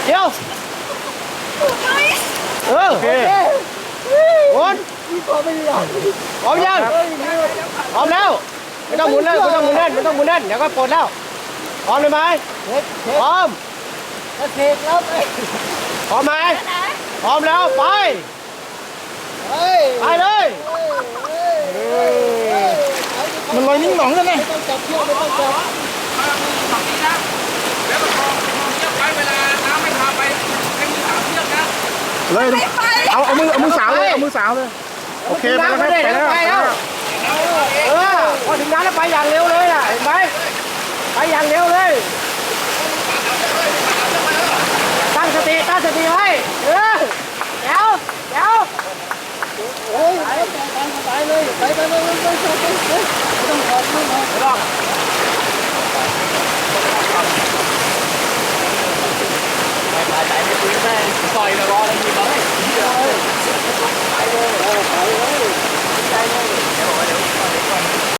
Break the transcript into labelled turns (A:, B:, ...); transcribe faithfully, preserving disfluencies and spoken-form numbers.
A: เดี๋ยวเออโอเคหมุนพร้อมยังพร้อมแล้วไม่ต้องหมุนแล้วไม่ต้องหมุนแน่นไม่ต้องหมุนแน่นเดี๋ยวก็ปลดแล้วพร้อมเลยไหมพร้อมเสกแล้วพร้อมไหมพร้อมแล้วไปไปเลยมันลอยนิ่งหนองกันไงไม่ต้องจับเชือกไม่ต้องจับฝั่งนี้นะแล้วก็มองมองเชือกไว้เวลาน้ำไม่พาไปให้มือสาวเชือกนะเลยเอาเอามือเอามือสาวเลยเอามือสาวเลยโอเคไปแล้วไปแล้วไปแล้วเออพอถึงน้ำแล้วไปอย่างเร็วเลยอ่ะเห็นไหมไปอย่างเร็วเลยตั้งสติตั้งสติไว้เออเดี๋ยวเดี๋ยวโอ้ยไปไปเลยไปไปไปไปไปไปไม่ต้องขอไม่ต้องขอ